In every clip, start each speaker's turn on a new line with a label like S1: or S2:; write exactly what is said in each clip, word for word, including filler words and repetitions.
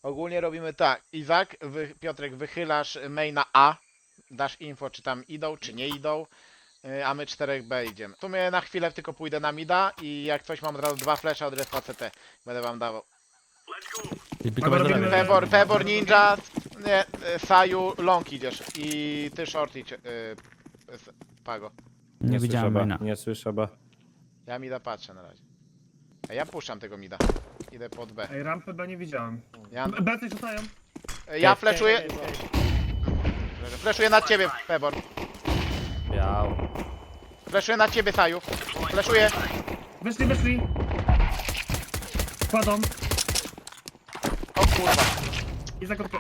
S1: Ogólnie robimy tak. Izak, wy, Piotrek, wychylasz maina A. Dasz info, czy tam idą, czy nie idą. y, A my czterech B idziemy. W sumie na chwilę tylko pójdę na mida i jak coś mam od razu dwa flesze od respa C T. Będę wam dawał.
S2: I pikować do lewej.
S1: Pebor, Pebor, Ninja, nie, y, Saju, long idziesz. I ty short idź, y, s- Pago.
S2: Nie widziałem
S3: słyszę
S2: maina.
S3: B, nie słyszę B.
S1: Ja mida patrzę na razie. A ja puszczam tego mida. Idę pod B.
S4: Ej, rampy B nie widziałem.
S1: Ja,
S4: B B coś rzucają.
S1: y, ja fleszuję. Fleszuję na ciebie, Pebor.
S3: Biał.
S1: Fleszuję na ciebie, Saju. Fleszuję.
S4: Wyszli, wyszli. Kładą.
S1: O kurwa.
S4: I zakopkę.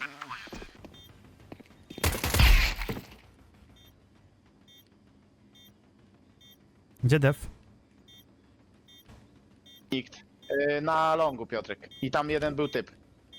S2: Gdzie def?
S1: Nikt. Y, na longu, Piotrek. I tam jeden był typ.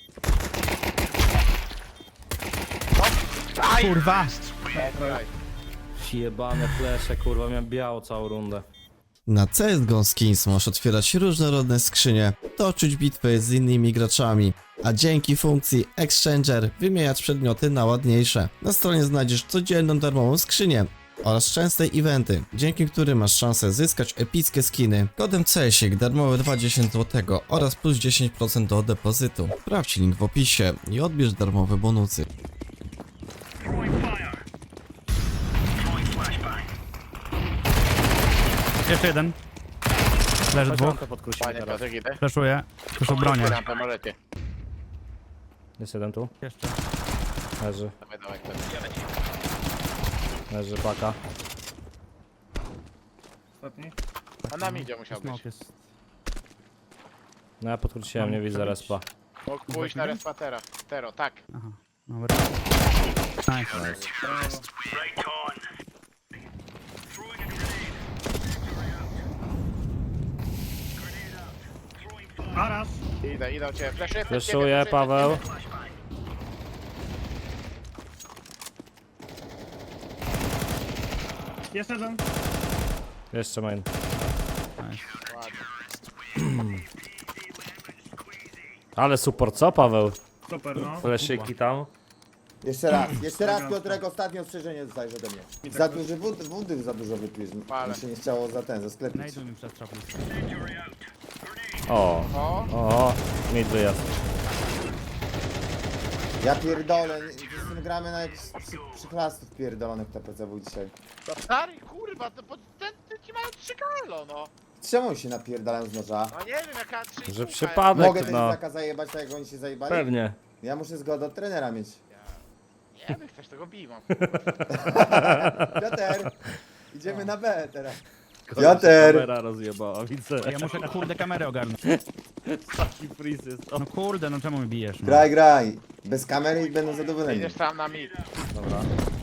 S1: O! Aj!
S2: Kurwa!
S1: Aj.
S3: Jebane flesze, kurwa, miałem biało całą rundę.
S5: Na C S G O Skins możesz otwierać różnorodne skrzynie, toczyć bitwy z innymi graczami, a dzięki funkcji Exchanger wymieniać przedmioty na ładniejsze. Na stronie znajdziesz codzienną darmową skrzynię oraz częste eventy, dzięki którym masz szansę zyskać epickie skiny. Kodem C S I K darmowe dwadzieścia złotych oraz plus dziesięć procent do depozytu. Sprawdź link w opisie i odbierz darmowe bonusy.
S2: Jeszcze jeden. Leży
S3: Chodź
S2: dwóch.
S3: lampę podkrócimy
S1: Panie
S3: teraz.
S1: Piotrek, idę.
S2: Fleszuję. Proszę bronię.
S1: Rampę możecie.
S3: Jest jeden tu.
S2: Jeszcze.
S3: Leży.
S1: Dawaj, dawaj, dawaj.
S3: Leży paka.
S4: Ostatni.
S1: A nam idzie musiał być.
S2: Smoke jest.
S3: No ja podkróciłem, nie widzę respa.
S1: Mógł pójść na respatera. Tero, tak.
S2: Aha. Dobra. Nice.
S4: Brawo. Arasz.
S1: Idę, idę u ciebie. Fleszuję,
S3: Fleszuję, Paweł.
S4: Jeszcze jeden.
S3: Jeszcze main.
S2: Nice.
S3: Ale super, co Paweł?
S4: Super, no.
S3: Fleszyki tam.
S6: Jeszcze raz, jeszcze raz Piotrek, ostatnie ostrzeżenie dostajesz ode mnie. Za duży wód, wody za dużo wypiłeś.
S1: Pale.
S6: Mi się nie chciało za ten, za sklepić.
S2: Znajdą mi przez trapy.
S3: O,
S1: O,
S3: o, mid wyjazd.
S6: Ja pierdolę, nie- z tym gramy na jakichś przy, przyklastów pierdolonych T P C W dzisiaj.
S1: to stary, kurwa, to po, ten, ten ci mają trzy kalo, no.
S6: Czemu się napierdalają z noża?
S1: No nie wiem, jaka trzy
S3: Że
S1: kółka
S3: przypadek,
S6: Mogę tego
S3: no.
S6: Izaka zajebać tak jak oni się zajebali?
S3: Pewnie.
S6: Ja muszę zgodę od trenera mieć.
S1: jest. Nie wiem, chcesz tego biwa.
S6: Piotr, idziemy na B teraz.
S3: Koleś
S6: Piotr!
S3: Kamera rozjebała, widzę.
S2: Ja muszę kurde kamerę ogarnąć.
S3: Taki freeze jest. O,
S2: No kurde, no czemu mi bijesz? No?
S6: Graj, graj. Bez kamery i będą zadowoleni.
S1: Idziesz tam na mid.
S3: dobra.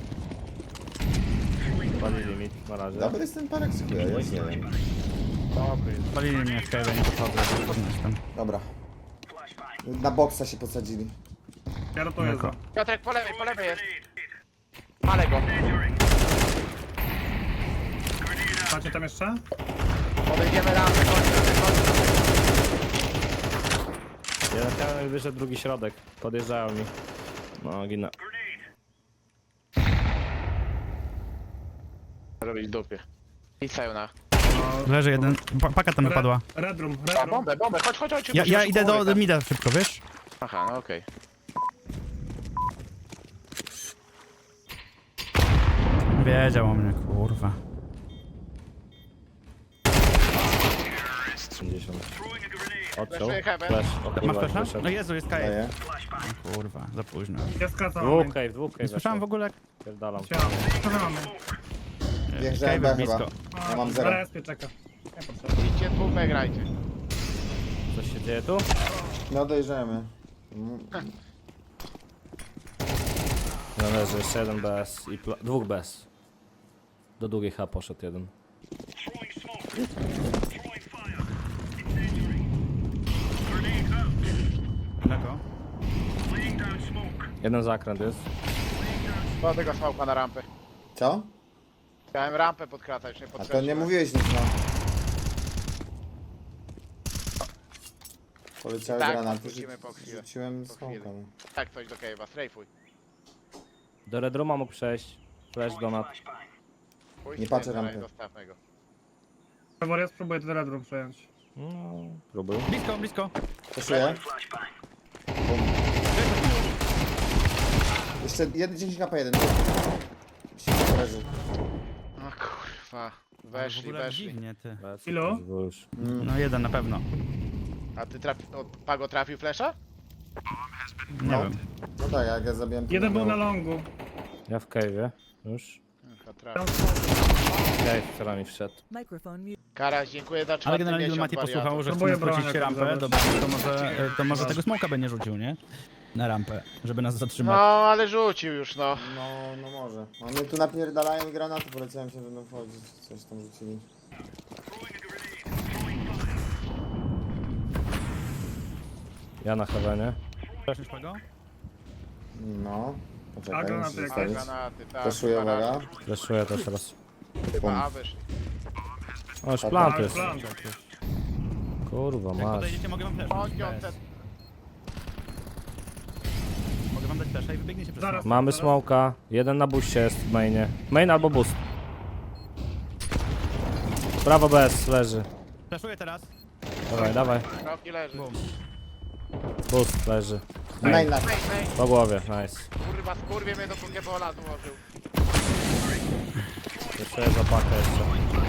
S3: Pali limit, na razie.
S6: Dobry jest ten parek, dziękuję, ja nie wiem.
S1: Dobry jest.
S2: Palili mnie w kajwę, nie podchodzę, podnieś tam.
S6: Dobra. Na boksa się posadzili.
S4: Ja rotuję za.
S1: Piotrek, po lewej, po lewej jest. Palę go.
S4: Macie tam jeszcze?
S1: Podejdziemy rampę, kończę, kończę.
S3: Jeden pełen wyszedł, drugi środek. Podjeżdżają mi. No, ginę.
S1: Robić dupie. I na.
S2: Leży jeden. Pa paka tam wypadła.
S4: Red room, red
S1: A,
S4: room.
S1: bombę, bombę, chodź, chodź, chodź.
S2: Ja, ja
S1: szybko,
S2: idę do,
S1: mówię,
S2: do
S1: tak.
S2: mida szybko, wiesz?
S1: Aha, no okej.
S2: Wiedział o mnie, kurwa.
S3: pięćdziesiąt. Odciął.
S1: Flashuję heaven.
S3: Flash. O
S2: Masz
S3: kurwa,
S2: flasha?
S3: wyszedł.
S2: No Jezu, jest kajet.
S6: Daję.
S2: Kurwa, za późno.
S4: Ja skracam.
S3: Dwóch cave, dwóch cave.
S2: Nie słyszałem w ogóle jak
S3: Pierdalam.
S4: Co my mamy?
S6: Wjeżdżałem
S2: cave
S6: B
S2: blisko.
S6: chyba. Ja mam
S4: Na
S6: zero.
S4: respie czeka. Nie potrzeba.
S1: Idźcie dwóch, grajcie.
S3: Coś się dzieje tu?
S6: No dojrzemy. Mm,
S3: Należy jeszcze jeden bez i pla- dwóch bez. Do długiej H poszedł jeden.
S2: Daleko.
S3: Jeden zakręt jest.
S1: Do tego smoka na rampę.
S6: Co?
S1: Chciałem rampę podkratać, nie
S6: A to
S1: podkreśliłem.
S6: nie mówiłeś nic, no. Poleciały
S1: Tak,
S6: granaty,
S1: wrócimy
S6: rzu-
S1: po chwilę.
S6: rzuciłem
S1: Po chwili.
S6: smoka.
S1: Tak, coś do cave'a, strajfuj.
S3: Do Red Rooma mógł przejść. Flash donat.
S1: Pójdź
S6: Nie
S1: z
S6: patrzę
S1: tym,
S6: rampy.
S1: Zostawmy go.
S4: Pewor, ja spróbuję ten Red Room przejąć.
S3: No, próbuj.
S2: Blisko, blisko.
S6: Przeszuję. Jeszcze jeden, dziesięć K jeden. Leży.
S1: No kurwa.
S2: W
S1: Weszli,
S2: ogóle
S1: weszli.
S2: dziwnie, ty.
S4: Ilu?
S3: Już.
S2: No jeden na pewno.
S1: A ty trafi... O, Pago trafił flesza?
S2: Nie
S6: No.
S2: wiem.
S6: No tak, jak ja zabiłem... to
S4: Jeden był
S6: było-
S4: na longu.
S3: Ja w cave'ie. Już.
S1: Chyba trafił.
S3: Cave, która mi wszedł.
S7: Microphone muted.
S1: Karaś, dziękuję za
S2: Ale
S1: czwarty
S2: generalnie
S1: miesiąc,
S2: Mati posłuchał,
S1: wariatów.
S2: że
S4: Próbuję
S2: chcemy skrócić
S4: broń
S2: rampę,
S4: jakoś
S2: dobra, to może, to może tego smoka będzie rzucił, nie? Na rampę, żeby nas
S1: No,
S2: zatrzymać.
S1: ale rzucił już, no.
S6: No, no może. One tu napierdalają i granaty poleciałem się, będą wchodzić. Coś tam rzucili.
S3: Ja na heavenie.
S2: Flash go?
S6: No.
S4: A,
S6: Poczekaj,
S4: granaty
S6: muszę
S4: jakieś.
S1: A,
S6: zostawić.
S1: granaty, tak.
S6: Poszuję,
S1: chyba raz.
S6: uwaga.
S3: Flashuję też raz.
S1: Chyba A wyszli.
S3: O, już plant
S4: Ale
S3: jest.
S4: plan.
S3: Kurwa,
S2: Jak
S3: masz.
S2: podejdziecie, mogę wam flash.
S1: Chodź, on te...
S2: Mogę wam dać flasha i wybiegniecie przez
S4: Zaraz.
S2: smoka.
S3: Mamy smoka. Jeden na buście jest w mainie. Main albo boost. Prawo bez, leży.
S2: Flashuję teraz.
S3: Dawaj, dawaj.
S1: Kroki leży.
S2: Bum.
S3: Boost leży.
S6: Main na...
S1: Main, main.
S3: Po głowie, nice.
S1: Kurwa, skurwie mnie do pokebola złożył.
S3: Jeszcze jest zapakę jeszcze.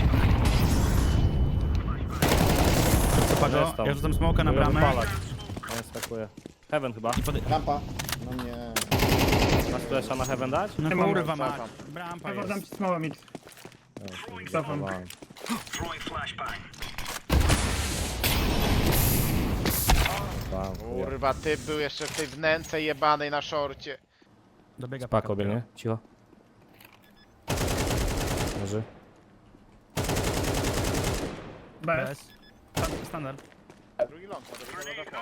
S2: Co Pago?
S3: Jest tam.
S2: Ja rzucam smoka na bramę.
S3: Palak. On skakuje. Heaven chyba.
S2: I podej...
S6: Rampa. No nie.
S3: Masz flesza na heaven dać?
S2: No
S4: Nie mam,
S2: kurwa mać.
S1: cofam.
S2: Brampa
S4: Pewor, dam
S2: jest.
S4: ci smałe mid. Cofam.
S3: Dawałem. Bam, chuja.
S1: Kurwa, typ był jeszcze w tej wnęce jebanej na szorcie.
S2: Dobiega
S3: Spako biegnie, cicho. Leży.
S4: Bez.
S2: Bez. Standard.
S1: Drugi ląd, może być tego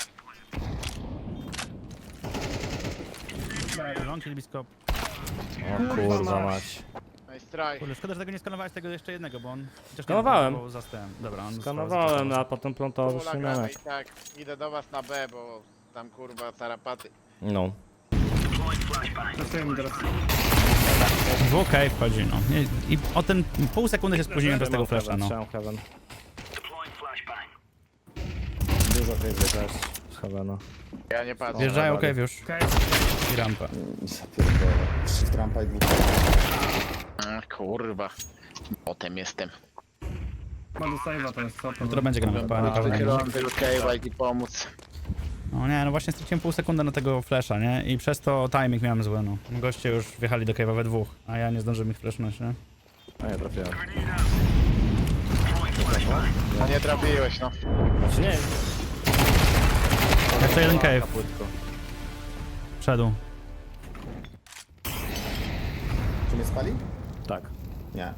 S1: zasłonię.
S2: Long czyli blisko.
S3: O kurwa mać.
S1: Nice try.
S2: Kurde, szkoda, że tego nie skanowałeś tego jeszcze jednego, bo on... chociaż nie
S3: Skanowałem.
S2: był za stem. Dobra, on
S3: Skanowałem, a potem plantował
S1: Pula
S3: się
S1: gramy
S3: na
S1: i tak. Idę do was na B, bo tam kurwa tarapaty.
S3: No.
S4: Testuję mi teraz.
S2: W cave wchodzi, no. I, I o ten pół sekundy się spóźniłem bez tego flasha, no.
S3: Trzymam heaven.
S6: Dużo tej
S3: Też z heavena.
S1: Ja nie patrzę.
S2: Wjeżdżają
S3: dalej.
S2: cave już.
S4: Okej.
S2: I rampa.
S6: Ja pierdolę. Shift rampa i dwóch.
S1: A, kurwa. Potem jestem.
S4: Ma do save'a to jest co to.
S2: Jutro będzie gramy. Pa, na pewno.
S1: Wychylam tego cave'a i pomóc.
S2: No nie, no właśnie straciłem pół sekundy na tego flasha, nie? I przez to timing miałem zły, no. Goście już wjechali do cave'a we dwóch, a ja nie zdążyłem ich flashnąć, nie?
S3: A nie trafiłem.
S1: No nie trafiłeś, no.
S3: Znaczy nie.
S2: Jeszcze jeden cave.
S3: Płytko.
S2: Wszedł.
S6: Czy mnie spali?
S3: Tak.
S6: Nie.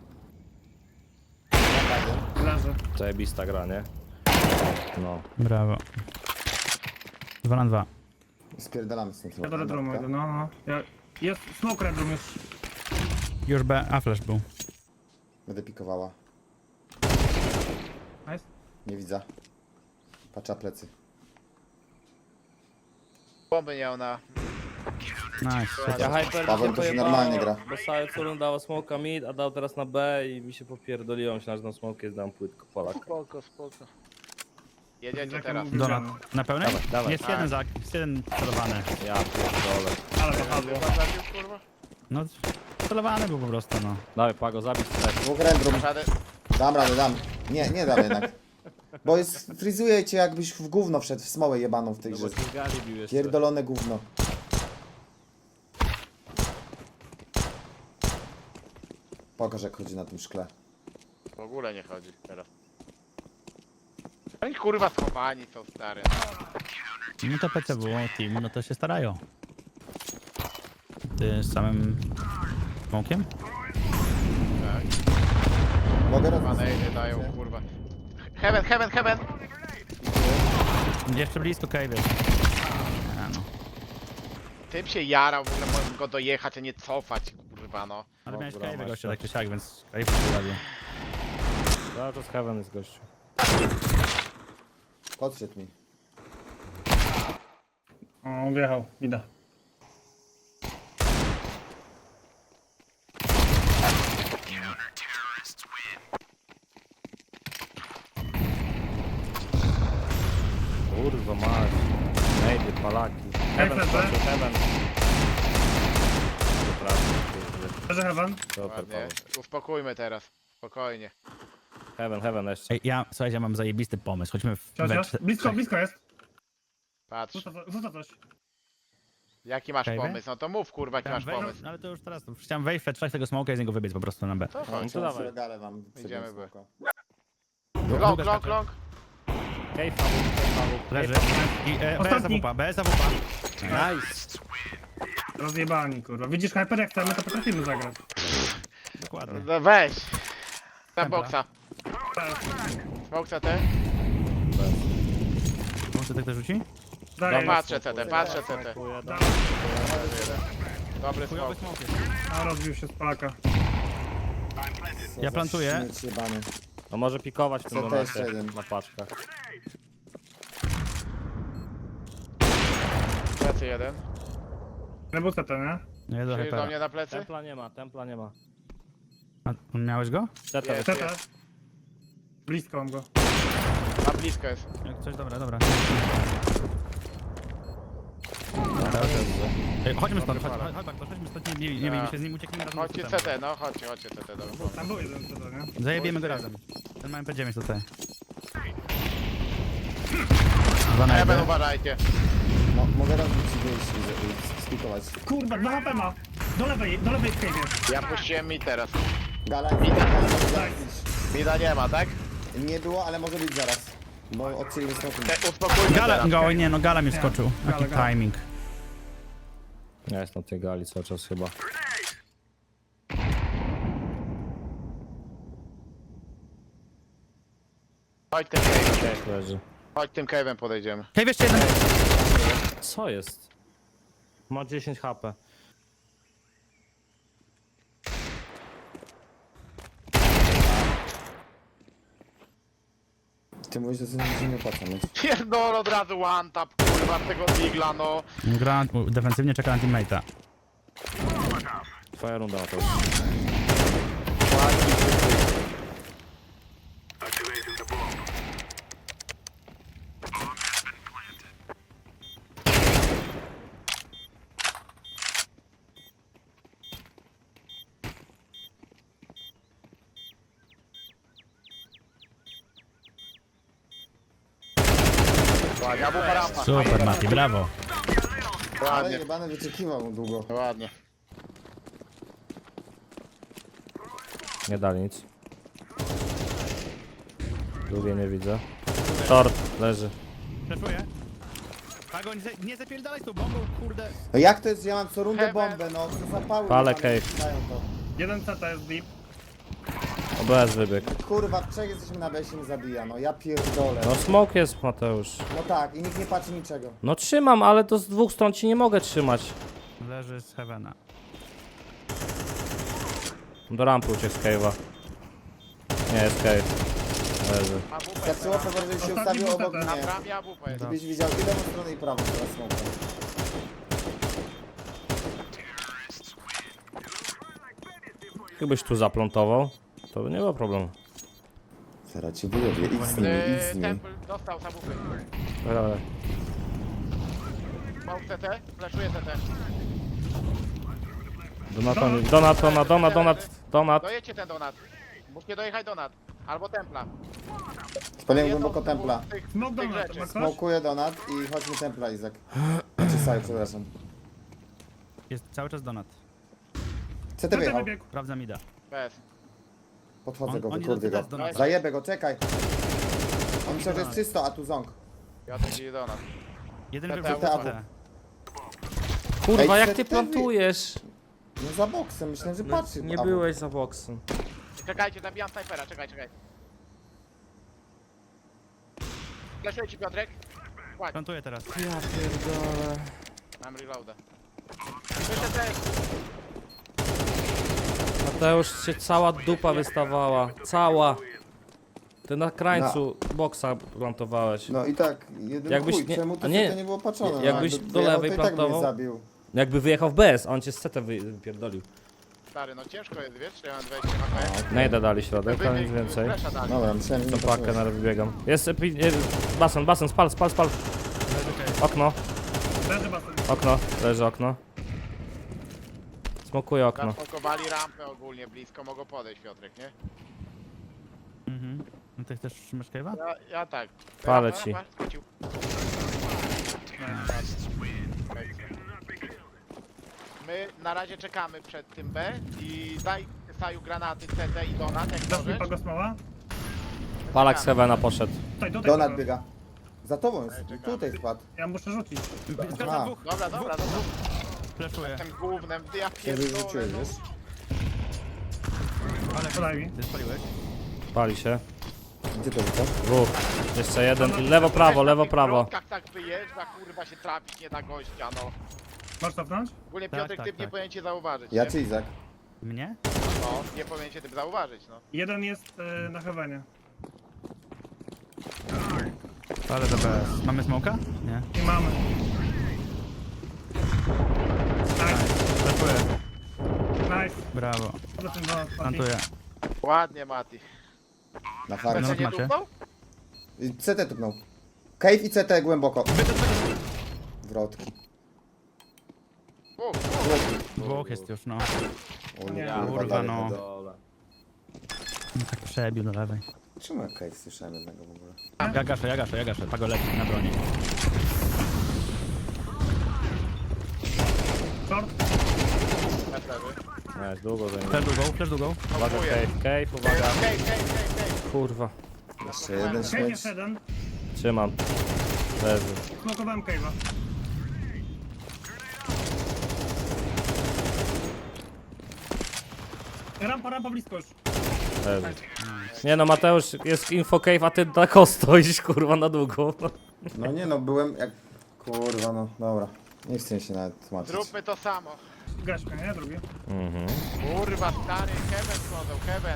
S4: Leży.
S3: Zajebista gra, nie? No.
S2: Brawo. Dwa na dwa.
S6: Spierdalamy z tym
S4: Ja do Red Roomu idę, no no. Ja... Jest smoke Red Room już.
S2: Już B, a flash był.
S6: Będę pikowała.
S4: Nice.
S6: Nie widzę. Patrzę plecy.
S1: Bomby miał na...
S2: Nice.
S3: Ja hyper
S6: Paweł to się normalnie gra.
S3: Bo cały Curun dał smoka mid, a dał teraz na B i mi się popierdoliło. Myślałem, że na smoke jest dam płytko Polak.
S1: Spoko, spoko. Jedziecie
S4: Jak
S1: teraz.
S4: mówię.
S2: Donat. Na pełnej?
S3: Dawaj, dawaj.
S2: Jest jeden zak, jest jeden celowany.
S3: Ja pierdolę.
S4: Ale popadło.
S1: Chyba zabił, kurwa?
S2: No, celowany był po prostu, no.
S3: Dawaj Pago, zabić też.
S6: Dwóch random.
S1: Żaden...
S6: Dam radę, dam. Nie, nie dam jednak. Bo jest, frizuje cię jakbyś w gówno wszedł, w smołę jebaną w tej
S3: No
S6: grze.
S3: bo ci gali bił jeszcze.
S6: Pierdolone gówno. Pokaż jak chodzi na tym szkle.
S1: W ogóle nie chodzi teraz. Oni kurwa schowani są stary.
S2: No to P C było, team, no to się starają. Ty z samym smokiem?
S1: Tak.
S6: Mogę
S1: Dwa
S6: robić.
S1: nejdy dają kurwa. Heaven, heaven, heaven!
S2: Jeszcze blisko cave jest. A, no.
S1: Tym się jarał, w ogóle mogłem go dojechać, a nie cofać, kurwa no.
S2: Ale miałeś
S3: Dobra,
S2: cave
S3: masz
S2: gościa
S3: to.
S2: tak czy siak, więc cave pojawił.
S3: Ja to z heaven jest gościu.
S6: Podszedł mi.
S4: O, wjechał, idę.
S3: Kurwa mać. Nejdy, palaki. Heaven
S4: Heaven,
S3: skoczył, heaven. Przepraszam, kurde.
S4: Leży heaven.
S3: Super,
S1: Ładnie.
S3: Paweł.
S1: Uspokójmy teraz. Spokojnie.
S3: Heaven, heaven jeszcze.
S2: Ej, ja, słuchajcie, ja mam zajebisty pomysł. Chodźmy w we
S4: Ciociasz?
S2: czte-
S4: Blisko, blisko jest.
S1: Patrz.
S4: Rzuca, rzuca coś.
S1: Jaki masz
S2: Okej, wy?
S1: pomysł? No to mów kurwa, jaki masz
S2: Chciałem wejść-
S1: pomysł.
S2: no, ale to już teraz, to chciałem wejść, przetrzeć tego smoka i z niego wybiec po prostu na B.
S1: To
S3: No
S1: chodź.
S3: to dawaj.
S6: Regale wam
S1: Idziemy,
S6: przybiłem
S1: by.
S6: smoka.
S1: Long,
S2: Długa
S1: long,
S2: skacze.
S1: long.
S3: Kej, Paweł, kej, Paweł.
S2: Leży. I e, B
S4: Ostatni.
S2: jest A W P, B jest A W P.
S3: Nice.
S4: Rozjebani, kurwa. Widzisz, Hyper, jak chcemy, to potrafimy zagrać.
S2: Dokładnie.
S1: No weź. Na
S2: Templa.
S1: boksa.
S4: Tak.
S1: Smoke C T.
S2: Może tak to rzuci?
S4: Daję.
S3: Dobra,
S1: Patrzę C T, patrzę C T.
S3: Dziękuję,
S4: Da-
S1: Dobry
S2: Chujowy
S1: smoke.
S2: smok jest.
S4: A, rozbił się z Polaka.
S6: Co
S2: Ja
S6: za
S2: plantuję.
S6: śmieć jebany.
S3: No może pikować w tym
S6: Co to jeszcze
S3: momencie
S6: jeden?
S3: na paczkach.
S1: Plecy jeden.
S4: Nie był C T, nie?
S2: Nie do
S1: Czyli do
S2: hypera.
S1: mnie na plecy?
S3: Templa nie ma, templa nie ma.
S2: A, miałeś go?
S3: Teta
S1: Jest.
S4: C T. Blisko mam go.
S1: Na blisko jest.
S2: Jak coś, dobra, dobra.
S3: wyszedł.
S2: Ej, chodźmy stąd,
S1: Dobry
S2: chodź,
S1: fala.
S2: chodź, chodź, chodźmy stąd, nie, nie, nie bijmy się z nim, ucieknijmy razem.
S1: Chodźcie
S2: do
S1: C
S2: systemu.
S1: T, no chodźcie, chodźcie C T. Dobra.
S4: Tam był jeden C T, nie?
S2: Zajebiemy go razem. Ten ma M P dziewięć tutaj. Dwa na
S1: Heaven
S2: jeden.
S1: uważajcie.
S6: No, mogę rozbić i wyjść i- i spikować.
S4: Kurwa, dwa H P ma. Do lewej, do lewej w cave'ie.
S1: Ja puściłem mi teraz.
S6: Gala, gala może zaraz
S1: Mida nie ma, tak?
S6: być. Nie było, ale może być zaraz. Bo odcięli smokiem.
S1: Te, uspokójmy
S2: Gala,
S1: teraz.
S2: go, oj nie, no Gala mi wskoczył.
S4: Gala,
S2: Jaki
S4: Gala.
S2: timing.
S3: Ja jestem na tej gali cały czas chyba.
S1: Chodź tym cave'em.
S3: Cave leży.
S1: Chodź tym cave'em podejdziemy.
S2: Hej, jeszcze jeden.
S3: Co jest? Ma dziesięć H P.
S6: Ty mówisz, że się nie opłaca mieć.
S1: Pierdol od razu one tap, kurwa, tego digla, no.
S2: Gra defensywnie, czeka na teammate'a.
S3: Twoja runda na to.
S1: Ładnie, abupa rampa.
S2: Super, Mati, brawo.
S6: Ale
S1: Ładnie,
S6: jebany wyczekiwał długo.
S1: ładnie.
S3: Nie dali nic. Drugie nie widzę. Short leży.
S2: Przeszuję. Pago, nie, za- nie zapierdalaj z tą bombą, kurde.
S6: No jak to jest, że ja mam co rundę
S1: Heaven.
S6: bombę, no co zapały.
S3: Palę
S6: jebane
S3: cave.
S6: dają to.
S4: Jeden C T jest deep.
S3: O B S wybieg.
S6: Kurwa, w trzech jesteśmy na B, się nie zabija, no ja pierdolę.
S3: No smoke jest Mateusz.
S6: No tak, i nikt nie patrzy niczego.
S3: No trzymam, ale to z dwóch stron ci nie mogę trzymać.
S2: Leży z Heavena.
S3: Do rampy uciekł z cave'a. Nie, jest cave. Leży.
S1: Abupa
S6: Tak
S1: jest
S6: było, to że się
S4: Ostatni
S6: ustawił
S4: był
S6: obok
S4: ten,
S1: na
S6: mnie.
S1: bramie, abupa jest.
S6: Gdybyś widział i lewą stronę i prawą teraz smoka.
S3: Gdybyś tu zaplątował, to by nie było problemu.
S6: Zaraz ci wyrobię, idź z nimi, idź z
S1: Yy,
S6: nimi.
S1: Temple dostał z abupy.
S3: Dobra, dobra.
S1: Smoke C T, flashuję C T.
S3: Donat, donat, donat, donat, donat, donat.
S1: Dojedźcie ten donat. Musicie dojechać donat. Albo templa.
S6: Spaliłem
S1: Jedną
S6: głęboko
S1: z
S6: templa.
S1: dwóch Tych,
S4: Smok
S1: tych
S4: donat,
S1: rzeczy.
S4: ma ktoś?
S6: Smokuję donat i chodźmy templa, Izak. Znaczy Saju, przepraszam.
S2: Jest cały czas donat.
S6: C
S4: C
S6: T
S4: T
S6: wyjechał.
S4: wybiegł.
S2: Sprawdza mida.
S1: Bez.
S6: Podchodzę
S2: On-
S6: go,
S2: oni
S6: wykurwię
S2: do
S6: go.
S2: C T donata.
S6: Zajebę go, czekaj. On myślał, że jest czysto, a tu ząg.
S1: Ja tu idzie donat.
S2: Jeden
S1: C T,
S2: wybiegł
S6: A W.
S2: C T.
S3: Kurwa,
S6: Ej,
S3: jak
S6: C
S3: ty
S6: T
S3: plantujesz?
S6: No za boksem, myślałem, że patrzy.
S3: Nie
S6: A,
S3: byłeś za boksem.
S1: Czekajcie, zabijam snajpera, czekaj, czekaj. Flashuję ci Piotrek. Kładź,
S2: Plantuję teraz.
S3: Ja pierdolę.
S1: mam reloada. Wyszedł tej.
S3: Mateusz się cała dupa wystawała. Cała. Ty na krańcu boksa plantowałeś.
S6: No i tak, jeden
S3: Jakbyś
S6: chuj,
S3: nie-
S6: czemu
S3: a
S6: to
S3: nie,
S6: nie, nie było patrzone? No,
S3: jakbyś
S6: jakby
S3: do
S6: wyjechał,
S3: lewej
S6: to i tak by mnie
S3: plantował.
S6: zabił.
S3: Jakby wyjechał w B S, a on cię z C T wy- wypierdolił.
S1: Stary, no ciężko jest, wiesz, czy ja mam dwadzieścia H P.
S3: Najda dali środek, a nic
S1: Wybieg,
S3: więcej.
S1: flesza dali.
S6: Dobra, myślałem, że
S3: To
S6: nie
S3: pakę
S6: patrzyłeś.
S3: na wybiegam. Jest epi... e, basen, basen, spal, spal, spal. Okno,
S4: Leży basen.
S3: okno, leży okno. Smokuję okno.
S1: Zasmokowali rampę ogólnie blisko, mogą podejść, Piotrek, nie?
S2: Mhm. No ty chcesz masz cave'a?
S1: Ja, ja tak.
S3: Palę
S1: Rampa,
S3: ci.
S1: rampa, skrócił. My na razie czekamy przed tym B i daj Saju granaty C T i Donat, jak
S4: Dasz mi
S1: możesz.
S4: pago smoła?
S3: Palak z Heavena poszedł.
S4: Tutaj, tutaj.
S6: Donat
S4: pago.
S6: biega. Za tobą jest, tutaj spadł.
S4: Ja muszę rzucić.
S2: Zgadza dwóch.
S1: Dobra, dobra, dobra.
S2: Flashuję.
S1: Tym głównym, ja
S6: Kiedy
S1: pierdolę,
S6: rzuciłeś,
S1: no.
S6: wiesz?
S2: Ale
S4: Podaj mi.
S2: ty spaliłeś?
S3: Pali się.
S6: Gdzie to rzucasz?
S3: Dwóch. Jeszcze jeden. I lewo, prawo, lewo, prawo.
S1: W środkach tak wyjeżdża, kurwa się trafić nie da gościa, no.
S4: Możesz cofnąć?
S1: Ogólnie
S2: Tak,
S1: Piotrek,
S2: tak,
S1: ty nie
S2: tak.
S1: powinien cię zauważyć,
S6: Ja
S1: nie?
S6: czy Izak?
S2: Mnie?
S1: No, nie powinien cię tym zauważyć, no.
S4: Jeden jest y, na heavenie.
S2: Ale do B S. Mamy smoka? Nie.
S4: I mamy. Nice,
S2: Flashuję.
S4: nice.
S2: Brawo.
S4: Za tym donat.
S2: Plantuję.
S1: Ładnie, Mati.
S6: Na
S1: C
S6: farcie.
S2: No,
S1: T nie
S2: macie.
S1: tupnął?
S6: I C T tupnął. Cave i C T głęboko. Wrotki.
S1: Uf,
S2: Dwóch jest już, no.
S6: O,
S4: Nie.
S2: Kurwa,
S6: dalej
S2: no.
S6: będą.
S2: No tak przebił do lewej.
S6: Czemu ja Cave słyszałem jednego w ogóle?
S2: Ja gaszę, ja gaszę, ja gaszę. Pago leci na broni.
S4: Short.
S1: na lewy.
S3: Nie, długo za nim.
S2: Flash długą, flash długą.
S3: Uwaga, cave, cave, uwaga.
S1: Kej, kej, kej, kej.
S3: Kurwa.
S6: Jeszcze jeden
S4: Cave
S6: śmieć.
S4: jest jeden.
S3: Trzymam. Leży.
S4: Smokowałem cave'a. Rampa, rampa blisko już.
S3: Leży. Nie no, Mateusz, jest info cave, a ty tak o stoisz, kurwa, na długo.
S6: No nie no, byłem jak... Kurwa no, dobra. Nie chcę się nawet tłumaczyć.
S1: Zróbmy to samo.
S4: Gaśka, nie? Drugi.
S3: Mhm.
S1: Kurwa, stary, Heaven schodzą, Heaven.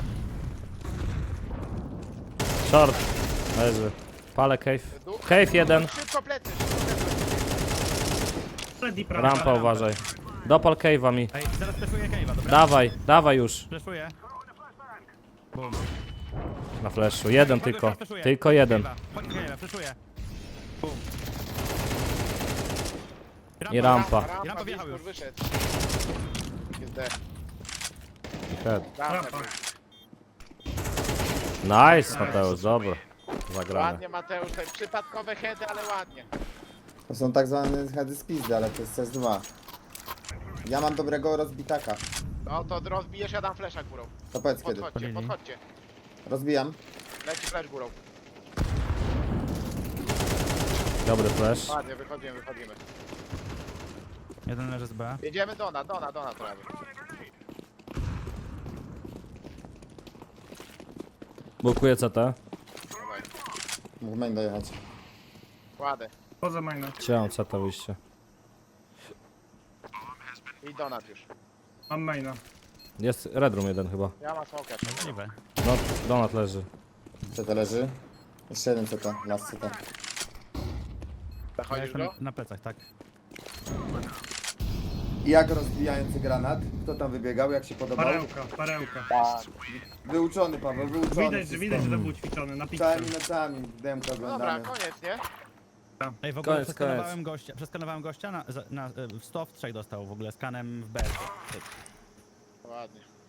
S3: Short. Leży. Palę cave. Cave jeden.
S1: Szybko plecy, szybko plecy.
S4: Freddy prawa.
S3: Rampa uważaj. Dopal cave'a mi.
S2: Ej, zaraz flashuję cave'a, dobra?
S3: Dawaj, dawaj już.
S2: Flashuję. Bum.
S3: Na flashu. Jeden
S2: Pago,
S3: tylko.
S2: flashuję.
S3: Tylko jeden.
S2: Cave'a. Chodź cave'a, flashuję. Bum.
S3: I rampa.
S1: Rampa,
S2: Rampa wjechał
S1: Wiskur
S2: już.
S1: wyszedł. Jest D.
S3: Head.
S4: Rampa.
S3: Nice, Mateusz, dobra. Zagrane.
S1: Ładnie, Mateusz, tutaj przypadkowe heady, ale ładnie.
S6: To są tak zwane heady z pizdy, ale to jest C S dwa. Ja mam dobrego rozbitaka.
S1: No to rozbijesz, ja dam flesza górą.
S6: To powiedz kiedy.
S1: Podchodźcie,
S2: Podjęli.
S1: podchodźcie.
S6: Rozbijam.
S1: Leci flash górą.
S3: Dobry flash.
S1: Ładnie, wychodzimy, wychodzimy.
S2: Jeden leży z B.
S1: Jedziemy Dona, Dona, Dona prawie.
S3: Blokuję C T.
S1: Dawaj.
S6: Mógł main dojechać.
S1: Kładę.
S4: Poza maina.
S3: Chciałem C T wyjście.
S1: I Donat już.
S4: Mam maina.
S3: Jest Red Room jeden chyba.
S1: Ja mam smoka.
S2: Możliwe.
S3: No, Donat leży.
S6: C T leży. Jeszcze jeden C T, last C T.
S2: Ja
S1: Zachodzisz
S2: jestem
S1: go?
S2: na plecach, tak.
S6: I jak rozbijający granat? Kto tam wybiegał? Jak się podobał?
S4: Parełka, parełka.
S6: Tak. Wyuczony Paweł, wyuczony.
S4: Widać, że
S6: wszystko.
S4: widać, że to był ćwiczony na pizzę.
S6: Całymi nocami demka
S1: Dobra,
S6: oglądamy.
S1: koniec, nie?
S2: Ej, w ogóle
S3: Koniec,
S2: przeskanowałem
S3: koniec.
S2: gościa, przeskanowałem gościa na, za- na, e, w sto w trzech dostał w ogóle skanem w B.
S1: Ładnie.